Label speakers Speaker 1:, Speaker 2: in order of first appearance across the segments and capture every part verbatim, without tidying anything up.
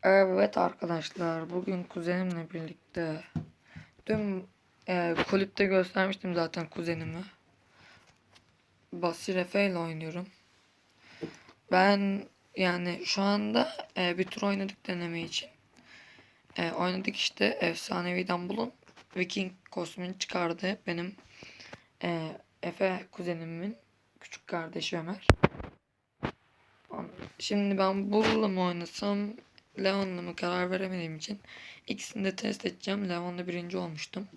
Speaker 1: Evet arkadaşlar, bugün kuzenimle birlikte dün e, kulüpte göstermiştim zaten kuzenimi. Basir Efe ile oynuyorum. Ben yani şu anda e, bir tur oynadık deneme için. E, oynadık işte efsanevi Dumble'un Viking kostümünü çıkardı. Benim e, Efe kuzenimin küçük kardeşi Ömer. Şimdi ben Bull'la mı oynasam Leon'la mı karar veremediğim için ikisini de test edeceğim. Leon'la birinci olmuştum.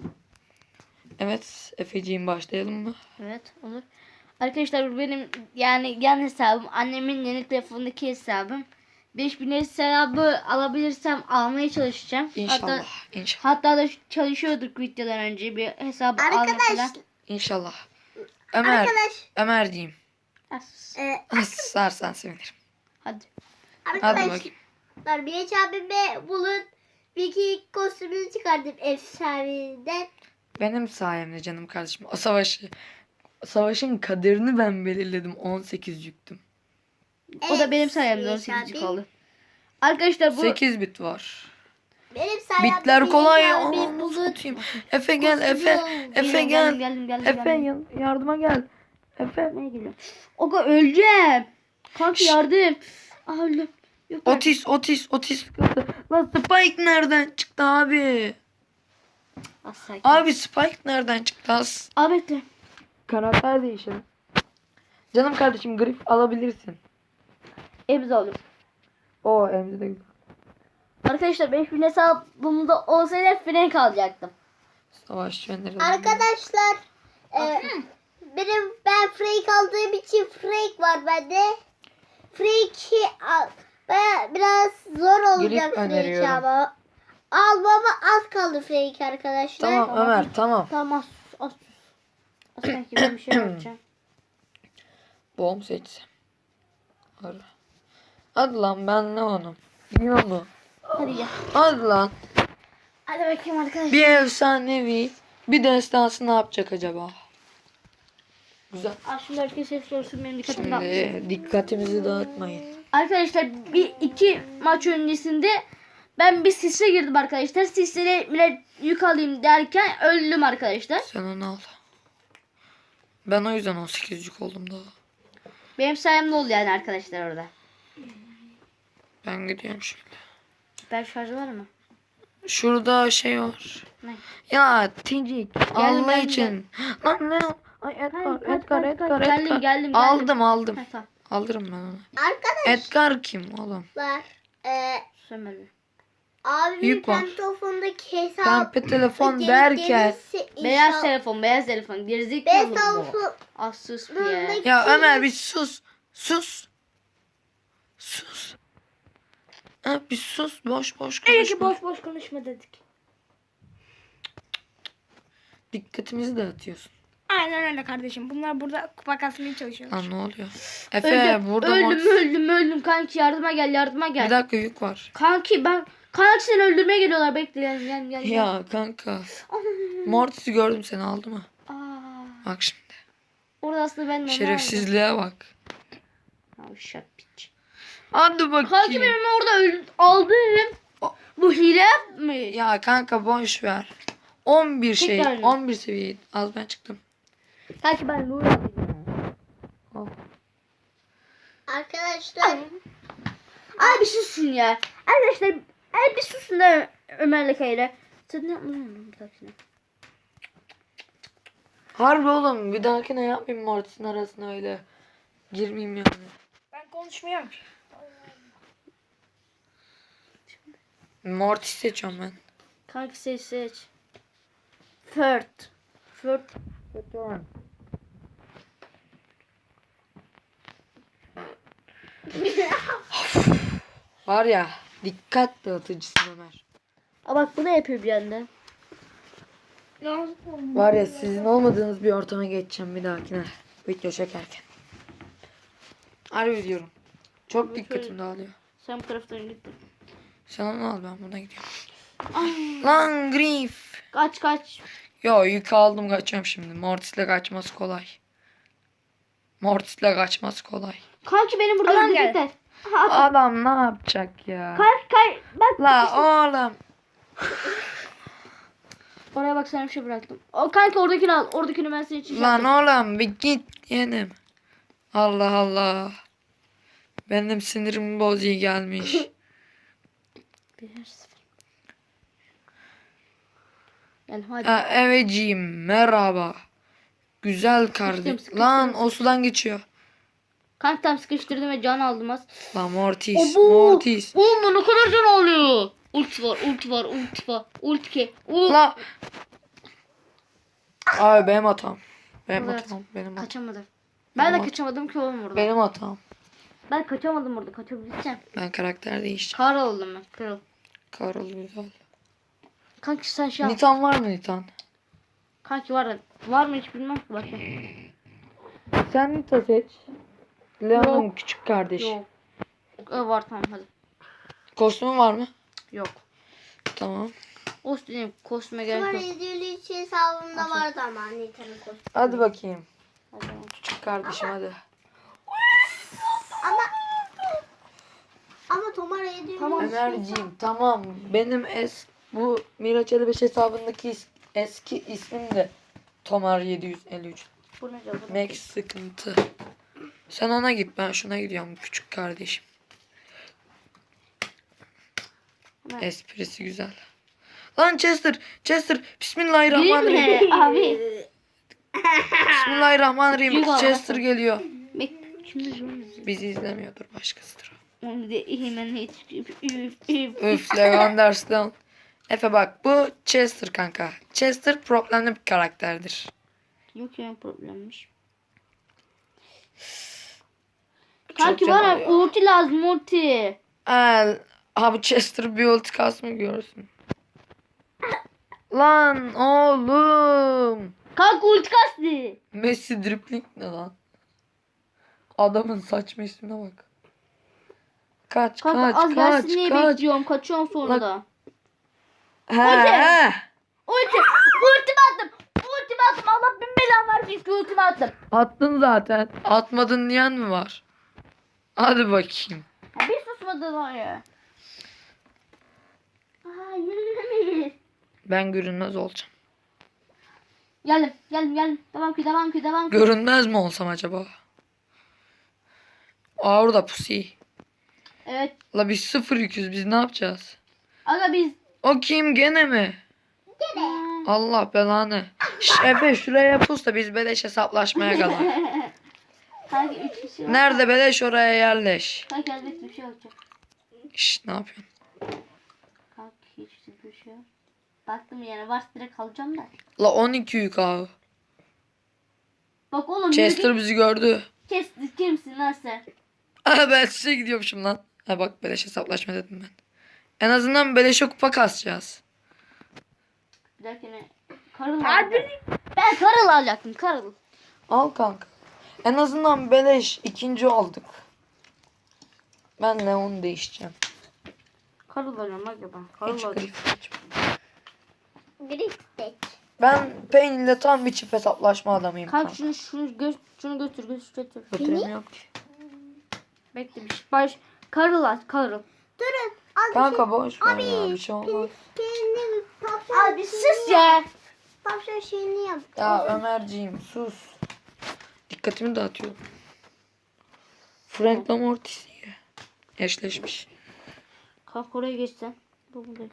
Speaker 1: Evet Efeciğim, başlayalım mı?
Speaker 2: Evet, olur. Arkadaşlar bu benim yani yan hesabım. Annemin yeni telefondaki hesabım. beş bin hesabı alabilirsem almaya çalışacağım.
Speaker 1: İnşallah.
Speaker 2: Hatta,
Speaker 1: İnşallah.
Speaker 2: hatta da çalışıyorduk videodan önce bir hesabı alma
Speaker 3: Arkadaş.
Speaker 2: falan.
Speaker 1: İnşallah. Ömer.
Speaker 3: Arkadaş.
Speaker 1: Ömerciğim.
Speaker 2: As.
Speaker 3: E,
Speaker 1: Sarsan sevinirim.
Speaker 2: Hadi.
Speaker 1: Hadi
Speaker 3: arkadaşlar
Speaker 1: bakayım.
Speaker 3: Bileç abime bulun Viking kostümünü çıkardım efsaneden.
Speaker 1: Benim sayemde canım kardeşim. O savaşı savaşın kaderini ben belirledim. on sekiz yüktüm.
Speaker 2: O da benim sayemde on
Speaker 3: Bileç
Speaker 2: sekiz
Speaker 3: abi.
Speaker 2: kaldı. Arkadaşlar bu
Speaker 1: sekiz bit var.
Speaker 3: Benim sayemde
Speaker 1: Bitler
Speaker 3: Bileç
Speaker 1: kolay.
Speaker 3: abimi
Speaker 1: Aa,
Speaker 3: bulun.
Speaker 1: satayım. Efe gel,
Speaker 3: Kostümü
Speaker 1: Efe.
Speaker 3: alın.
Speaker 1: Efe
Speaker 2: Geldim,
Speaker 1: gel.
Speaker 2: geldim, geldim,
Speaker 1: Efe
Speaker 2: geldim.
Speaker 1: yan- yardıma gel. Efe.
Speaker 2: Ne geliyor? Oga öleceğim. Kanka yardım. Aa, öldüm. Yok artık.
Speaker 1: Otis, Otis, Otis. Lan Spike nereden çıktı abi?
Speaker 2: Az sakin.
Speaker 1: Abi Spike nereden çıktı az?
Speaker 2: Aa, bekle.
Speaker 1: Karakter değişelim. Canım kardeşim, grif alabilirsin.
Speaker 2: Emzi alıyorum.
Speaker 1: O emzi de güzel.
Speaker 2: Arkadaşlar beş bin hesabımda olsaydı Frank alacaktım.
Speaker 1: Savaşçı öneri.
Speaker 3: Arkadaşlar e, benim ben Freak aldığım için Freak var bende. Freak'i al. Baya biraz zor olacak Freak
Speaker 1: öneriyorum.
Speaker 3: ama. Almama az kaldı Freak arkadaşlar.
Speaker 1: Tamam Ömer, tamam.
Speaker 2: Tamam, az az sus. Az sanki ben bir şey yapacağım.
Speaker 1: Bomb seçsem. Ara. Hadi lan, ben ne onun? Biliyor mu?
Speaker 2: Hadi gel.
Speaker 1: Hadi lan.
Speaker 2: Hadi bakayım arkadaşlar.
Speaker 1: Bir efsanevi, bir destansı ne yapacak acaba? Güzel.
Speaker 2: Aa, şimdi herkes ses sorsun, benim dikkatim dağılmış.
Speaker 1: Şimdi dikkatimizi dağıtmayın.
Speaker 2: Arkadaşlar bir iki maç öncesinde ben bir sisle girdim arkadaşlar. Sislere bile yük alayım derken öldüm arkadaşlar.
Speaker 1: Sen onu al. Ben o yüzden on sekizcik oldum daha.
Speaker 2: Benim sayemde oldu yani arkadaşlar orada.
Speaker 1: Ben gidiyorum şöyle.
Speaker 2: Süper şarjı var mı?
Speaker 1: Şurada şey var.
Speaker 2: Ne?
Speaker 1: Ya Tincik Allah
Speaker 2: geldim,
Speaker 1: için. Lan ne? Ay Edgar,
Speaker 2: Hayır, kaç,
Speaker 1: Edgar,
Speaker 2: kaç,
Speaker 1: Edgar,
Speaker 2: kaç.
Speaker 1: Edgar.
Speaker 2: Geldim, geldim,
Speaker 1: Aldım,
Speaker 2: geldim.
Speaker 1: aldım.
Speaker 2: Ha, tamam.
Speaker 1: Alırım ben onu.
Speaker 3: Arkadaşlar
Speaker 1: Edgar kim oğlum?
Speaker 3: e,
Speaker 2: Sömürü.
Speaker 3: abimin
Speaker 1: Yük var.
Speaker 3: pantofondaki hesabı
Speaker 1: Pembe telefon
Speaker 3: geri
Speaker 1: derken.
Speaker 3: gelirse
Speaker 2: Beyaz
Speaker 3: inşallah-
Speaker 2: telefon, beyaz telefon.
Speaker 3: Beyaz
Speaker 2: Gerizekalı bu.
Speaker 3: telefon.
Speaker 2: Az sus bir ya.
Speaker 1: Ya Ömer bir sus. Sus. Sus. Ha, bir sus. Boş boş
Speaker 2: İyi ki
Speaker 1: konuşma.
Speaker 2: boş boş konuşma dedik.
Speaker 1: Dikkatimizi dağıtıyorsun.
Speaker 4: Aynen öyle kardeşim. Bunlar burada kupa kasmaya çalışıyorlar.
Speaker 1: Lan ne oluyor? Efe
Speaker 2: Öldüm,
Speaker 1: burada
Speaker 2: öldüm,
Speaker 1: mod-
Speaker 2: öldüm, öldüm. Kanki yardıma gel, yardıma
Speaker 1: Bir
Speaker 2: gel.
Speaker 1: dakika, yük var.
Speaker 2: Kanki ben, kanki seni öldürmeye geliyorlar. Bekle, gel, gel, gel. gel.
Speaker 1: Ya kanka. Mortis'i gördüm, seni aldı mı?
Speaker 2: Aa,
Speaker 1: Bak şimdi.
Speaker 2: orada aslında ben de onu
Speaker 1: Şerefsizliğe bak.
Speaker 2: aldım. Yavşak piç.
Speaker 1: Hadi bakayım.
Speaker 2: Kanki benim orada öl- aldım. Bu hile mi?
Speaker 1: Ya kanka boş ver. on bir şey.
Speaker 2: Tekrar mı?
Speaker 1: on bir seviye. Az ben çıktım.
Speaker 2: Kanki ben Nuri alayım.
Speaker 1: Al.
Speaker 3: Arkadaşlar
Speaker 2: Ay bir susun ya. Arkadaşlar ay bir susun da Ömer'le Kayra. Sen ne yapmadın bir dakika.
Speaker 1: Harbi oğlum, bir dahakine yapmayayım Mortis'in arasına öyle. Girmeyeyim yani.
Speaker 4: Ben konuşmuyorum.
Speaker 1: Mortis seçiyorum ben.
Speaker 2: Kanki seç seç. Fört. Fört.
Speaker 1: Var ya, dikkat dağıtıcısın Ömer.
Speaker 2: Aa bak bu ne yapıyor bir anda?
Speaker 1: Var ya, sizin olmadığınız bir ortama geçeceğim bir dahakine. Video çekerken. Harbi diyorum. Çok dikkatim dağılıyor.
Speaker 2: Sen bu taraftan gittin.
Speaker 1: Sen onu al, ben buradan gidiyorum. Lan Grief.
Speaker 2: Kaç kaç.
Speaker 1: Yo, yük aldım, kaçıyorum şimdi. Mortis'le kaçması kolay. Mortis'le kaçması kolay.
Speaker 2: Kanki benim burada
Speaker 4: Adam
Speaker 2: öldürecekler.
Speaker 4: geldi.
Speaker 1: Adam ne yapacak ya?
Speaker 2: Kay kay bak.
Speaker 1: La oğlum.
Speaker 2: Oraya bak sana bir şey bıraktım. O kanka oradakini al. Oradakini ben senin için şey
Speaker 1: Lan
Speaker 2: yaptım.
Speaker 1: oğlum bir git yeğenim. Allah Allah. Benim sinirim bozuyor gelmiş.
Speaker 2: Bir sıfır. Gel hadi.
Speaker 1: Ha, eveciğim merhaba. Güzel kardeşim.
Speaker 2: sıkıştım,
Speaker 1: Lan
Speaker 2: sıkıştım.
Speaker 1: o sudan geçiyor.
Speaker 2: Kanka tam sıkıştırdım ve can aldım az.
Speaker 1: Lan Mortis.
Speaker 2: Obo.
Speaker 1: Mortis.
Speaker 2: Oğlum ne kadar can alıyor. Ult var, ult var, ult var. Ult ki. Ult.
Speaker 1: La. Abi benim hatam. Benim
Speaker 2: Evet.
Speaker 1: hatam. Benim hatam.
Speaker 2: Kaçamadım. Ben de
Speaker 1: Tamam.
Speaker 2: kaçamadım ki oğlum burada.
Speaker 1: Benim hatam.
Speaker 2: Ben kaçamadım burada. Kaçabileceğim.
Speaker 1: Ben karakter değişeceğim.
Speaker 2: Kar oldum ben. Kral.
Speaker 1: Karol güzel.
Speaker 2: Kanki sen şey yap.
Speaker 1: Nitan var mı Nitan?
Speaker 2: Kanki var da. Var mı hiç bilmem ki bakayım.
Speaker 1: Sen Nita seç. Leon'un
Speaker 2: Yok.
Speaker 1: küçük kardeşi.
Speaker 2: Yok. Ee, var tamam hadi.
Speaker 1: Kostümü var mı?
Speaker 2: Yok.
Speaker 1: Tamam.
Speaker 2: O dediğim kostüme gerek
Speaker 3: Tomar
Speaker 2: yok.
Speaker 3: yedi yüz hesabımda vardı ama Nita'nın kostümü.
Speaker 1: Hadi bakayım.
Speaker 2: Hadi.
Speaker 1: Küçük kardeşim hadi.
Speaker 3: Ama ama Tomar yedi yüz
Speaker 2: Tamam.
Speaker 1: Ömerciğim tamam. Benim es bu Miraç elli beş hesabındaki is- eski ismim de Tomar yedi yüz elli üç.
Speaker 2: Bu ne canım?
Speaker 1: Max sıkıntı. Sen ona git ben şuna gidiyorum küçük kardeşim.
Speaker 2: Hemen.
Speaker 1: Esprisi güzel. Lan Chester, Chester. Bismillahirrahmanirrahim.
Speaker 2: Gireyim mi? Abi.
Speaker 1: Bismillahirrahmanirrahim.
Speaker 2: Yuh Allah.
Speaker 1: Chester geliyor.
Speaker 2: Bek. Şimdi şunu
Speaker 1: Bizi izlemiyordur başkasıdır. o.
Speaker 2: onu da hemen hiç. Üf, üf, üf.
Speaker 1: Üf Levanders'tan. Efe bak bu Chester kanka. Chester problemli bir karakterdir.
Speaker 2: Yok ya problemmiş.
Speaker 1: Çok
Speaker 2: Kanki
Speaker 1: can
Speaker 2: bana
Speaker 1: alıyor.
Speaker 2: ulti lazım ulti.
Speaker 1: El, ha bu Chester bir ulti kasmı görsün. Lan oğlum.
Speaker 2: Kanka ulti kastı.
Speaker 1: Messi dribbling ne lan? Adamın saçma ismine bak. Kaç
Speaker 2: Kanka
Speaker 1: kaç
Speaker 2: az
Speaker 1: kaç
Speaker 2: gelsin diye
Speaker 1: kaç.
Speaker 2: bekliyorum. Kaçıyorum sonra
Speaker 1: Lan-
Speaker 2: da.
Speaker 1: He, he.
Speaker 2: Ulti. Ultimi attım. Ultimi attım. Allah bin belan versin ki ultimi attım.
Speaker 1: Attın zaten. Atmadın diyen mi var? Hadi bakayım.
Speaker 2: Ya bir susmadı var ya. Aa yürüyemeyiz.
Speaker 1: Ben görünmez olacağım.
Speaker 2: Geldim geldim geldim. Devam ki devam ki devam ki.
Speaker 1: Görünmez mi olsam acaba? Aa orada pusi.
Speaker 2: Evet.
Speaker 1: La biz sıfır yüküz biz ne yapacağız?
Speaker 2: Aga biz.
Speaker 1: O kim gene mi? Allah belanı. Şş, Efe şuraya pus da biz beleş hesaplaşmaya kadar.
Speaker 2: Kanka üç kişi var.
Speaker 1: Nerede beleş oraya yerleş.
Speaker 2: Kanka elbette bir şey olacak.
Speaker 1: Şş, ne yapıyorsun?
Speaker 2: Kanka hiç bir şey yok. Baktım yani varsa direkt alacağım da.
Speaker 1: La on iki yük abi.
Speaker 2: Bak oğlum.
Speaker 1: Chester bizi gördü.
Speaker 2: Kes kimsin lan sen?
Speaker 1: Aa, ben size gidiyormuşum lan. Ha bak beleş hesaplaşma dedim ben. En azından beleşe kupa kasacağız.
Speaker 2: Bir dakika Karıl alacağım. Ben Karıl alacaktım Karıl.
Speaker 1: Al kanka. En azından beleş ikinci olduk. Ben Leon değişeceğim.
Speaker 2: Karıl alacağım aga ben. Karıl
Speaker 1: Hiç
Speaker 2: alacağım.
Speaker 1: grif açma.
Speaker 3: Gristek.
Speaker 1: Ben Pain ile tam bir çift hesaplaşma adamıyım
Speaker 2: Kanka
Speaker 1: kanka.
Speaker 2: şunu şunu gö şunu götür götür götür.
Speaker 1: Götüremiyorum ki.
Speaker 2: Bekle bir şey. Baş Karıl aç Karıl.
Speaker 3: Durun. Az
Speaker 1: Kanka boş ver
Speaker 3: Abi,
Speaker 1: ya bir şey olmaz.
Speaker 3: kendi tavşan.
Speaker 2: Abi sus ya.
Speaker 3: Tavşan şeyini yap.
Speaker 1: Ya Ömerciğim sus. Dikkatimi dağıtıyor. Frank Lamortis diye. Eşleşmiş.
Speaker 2: Kanka oraya geçsen. Bu buradayım.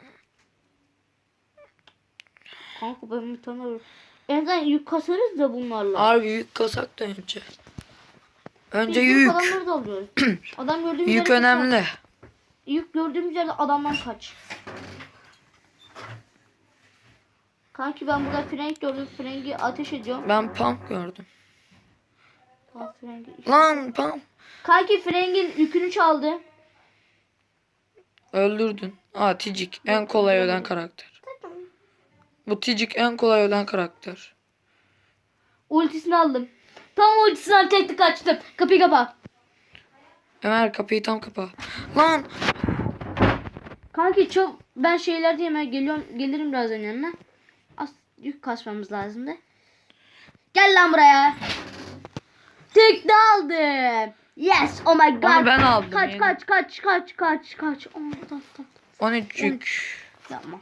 Speaker 2: Kanka ben bir tane en azından yük kasarız da bunlarla.
Speaker 1: Harbi yük kasak da önce. Önce
Speaker 2: Biz
Speaker 1: yük.
Speaker 2: adamları da alıyoruz. Adam gördüğümüz
Speaker 1: Yük
Speaker 2: yerde
Speaker 1: önemli.
Speaker 2: kaç. Yük gördüğümüz yerde adamdan kaç. Kanki ben burada Frank gördüm. Frank'i ateş ediyorum.
Speaker 1: Ben pump gördüm.
Speaker 2: Aa, Frank'i-
Speaker 1: Lan pump.
Speaker 2: Kanki Frank'in yükünü çaldı.
Speaker 1: Öldürdün. Aa Ticik en kolay ölen karakter. Bu Ticik en kolay ölen karakter.
Speaker 2: Ultisini aldım. Tam ultisini çekti kaçtım. Kapıyı kapa.
Speaker 1: Ömer kapıyı tam kapa. Lan
Speaker 2: Kanki çok ben şeyler diye hemen geliyorum gelirim birazdan yanına. Az yük kasmamız lazımdı. Gel lan buraya. Tek de aldım. Yes. Oh my god.
Speaker 1: Onu ben aldım
Speaker 2: Kaç
Speaker 1: yani.
Speaker 2: kaç kaç kaç kaç kaç. Oh, tamam, tamam.
Speaker 1: on üçlük.
Speaker 2: Yapma.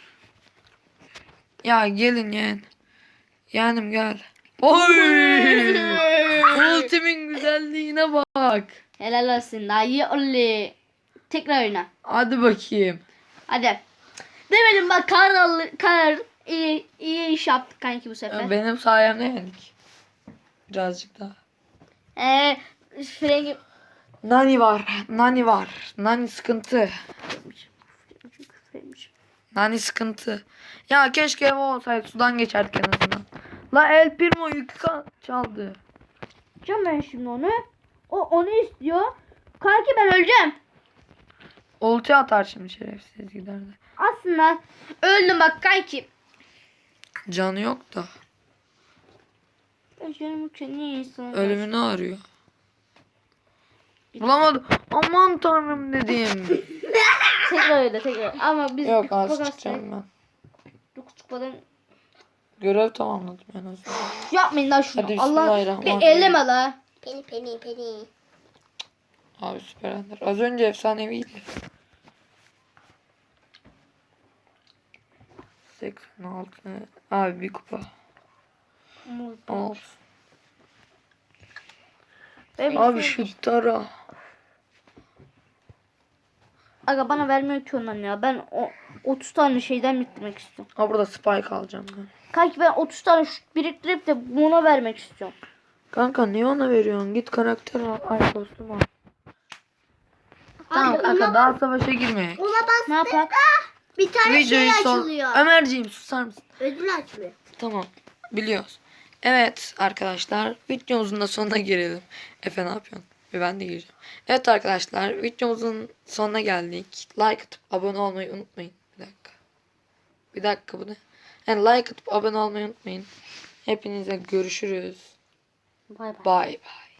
Speaker 1: Ya gelin yeğen. Yeğenim gel. Oy! Ultimin güzelliğine bak.
Speaker 2: Helal olsun. Dayı oley. Tekrar oyna.
Speaker 1: Hadi bakayım.
Speaker 2: Hadi. Demedim bak kar al kar iyi iyi iş yaptık kanki bu sefer.
Speaker 1: Benim sayemde yendik. Birazcık daha.
Speaker 2: Eee Frengi
Speaker 1: Nani var. Nani var. Nani sıkıntı. Nani sıkıntı. Ya keşke ev olsaydı sudan geçerdik en azından. La El Primo yükü ka- çaldı.
Speaker 2: Can ben şimdi onu. O onu istiyor. Kanki ben öleceğim.
Speaker 1: Ulti atar şimdi şerefsiz giderdi.
Speaker 2: Aslında öldüm bak kanki.
Speaker 1: Canı yok da.
Speaker 2: Ben canım için niye insan?
Speaker 1: Ölümünü arıyor. Bulamadım. Aman tanrım dedim.
Speaker 2: Tekrar öyle tekrar. Ama biz
Speaker 1: Yok
Speaker 2: kupa
Speaker 1: az
Speaker 2: kastık.
Speaker 1: çıkacağım ben.
Speaker 2: Dokuz kupadan
Speaker 1: Görev tamamladım en azından.
Speaker 2: yapmayın lan şunu.
Speaker 1: Hadi
Speaker 2: Allah
Speaker 1: bismillahirrahmanirrahim.
Speaker 2: bir elleme la.
Speaker 3: Peni peni peni.
Speaker 1: Abi süper ender. Az önce efsaneviydi. seksen altı. Abi bir kupa. Olsun.
Speaker 2: Ben-
Speaker 1: Abi şu tara.
Speaker 2: Aga bana vermiyor ki ondan ya. Ben o otuz tane şeyden bitirmek istiyorum.
Speaker 1: Ha burada spike alacağım ben.
Speaker 2: Kanki ben otuz tane şut biriktirip de buna vermek istiyorum.
Speaker 1: Kanka niye ona veriyorsun? Git karakter al. Ay kostüm al. Tamam
Speaker 3: Abi
Speaker 1: kanka
Speaker 3: ona,
Speaker 1: daha savaşa girmeye.
Speaker 3: ona bastın
Speaker 2: Ne yapar?
Speaker 3: da bir tane
Speaker 1: Videoyu
Speaker 3: şey
Speaker 1: son.
Speaker 3: açılıyor.
Speaker 1: Ömerciğim susar mısın?
Speaker 3: Ödül açılıyor.
Speaker 1: Tamam. Biliyoruz. Evet arkadaşlar videomuzun da sonuna gelelim. Efe ne yapıyorsun? Ve ben de gireceğim. Evet arkadaşlar videomuzun sonuna geldik. Like atıp abone olmayı unutmayın. Bir dakika. Bir dakika bu ne? Yani like atıp abone olmayı unutmayın. Hepinize görüşürüz.
Speaker 2: Bay bay.
Speaker 1: Bye bye.